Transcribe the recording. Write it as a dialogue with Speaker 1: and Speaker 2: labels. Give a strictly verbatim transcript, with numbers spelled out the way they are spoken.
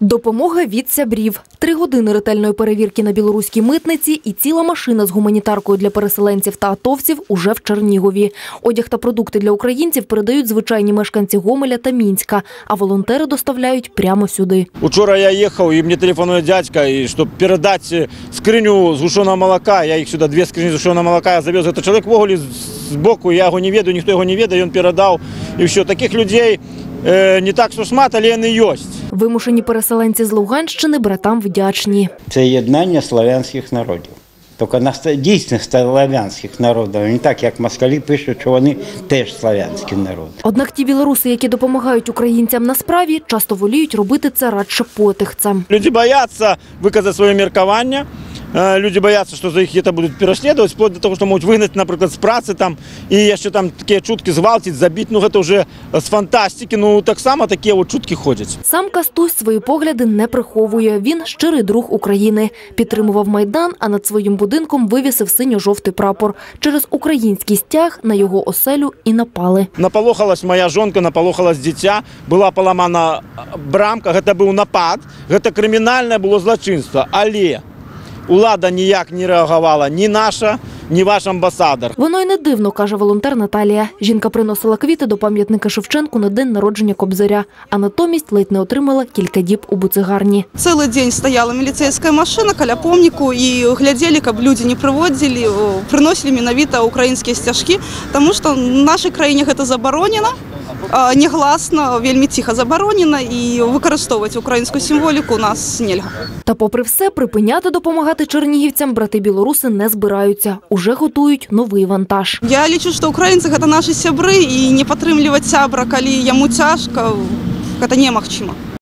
Speaker 1: Допомога від Сябрів. Три години ретельної перевірки на білоруській митниці і ціла машина з гуманітаркою для переселенців та атовців уже в Чернігові. Одяг та продукти для українців передають звичайні мешканці Гомеля та Мінська, а волонтери доставляють прямо сюди.
Speaker 2: Вчора я їхав, і мені телефонує дядька, і щоб передати скриню згущеного молока, я їх сюди, дві скрині згущеного молока, я завез. Це чоловік в оголі з боку, я його не веду, ніхто його не веде, він передав. І все, таких людей не так що шмат, але вони є.
Speaker 1: Вимушені переселенці з Луганщини братам вдячні.
Speaker 3: Це єднання славянських народів. Тільки дійсно славянських народів, не так, як москалі пишуть, що вони теж славянські народи.
Speaker 1: Однак ті білоруси, які допомагають українцям на справі, часто воліють робити це радше потихцем.
Speaker 2: Люди бояться виказати своє міркування. Люди бояться, що за їх где-то будуть переслідувати, вплоть до того, що можуть вигнати, наприклад, з праці там, і ще там такі чутки зґвалтити, забити, ну це вже з фантастики, ну так само такі от чутки ходять.
Speaker 1: Сам Кастусь свої погляди не приховує. Він щирий друг України. Підтримував Майдан, а над своїм будинком вивісив синьо-жовтий прапор. Через український стяг на його оселю і напали.
Speaker 2: Наполохалась моя жонка, наполохалась дитя, була поламана брамка, це був напад, це кримінальне було злочинство, але улада ніяк не реагувала, ні наша, ні ваш амбасадор.
Speaker 1: Воно й не дивно, каже волонтер Наталія. Жінка приносила квіти до пам'ятника Шевченку на день народження Кобзаря, а натомість ледь не отримала кілька діб у буцегарні.
Speaker 4: Цілий день стояла міліцейська машина біля помнику і гляділи, щоб люди не приводили, приносили менавіта українські стяжки, тому що в нашій країні це заборонено. Негласно, вельми тихо заборонено, і використовувати українську символіку у нас нельга.
Speaker 1: Та попри все, припиняти допомагати чернігівцям брати-білоруси не збираються. Уже готують новий вантаж.
Speaker 4: Я лічу, що українці – це наші сябри, і не підтримувати сябра, коли йому тяжко, це немагчимо.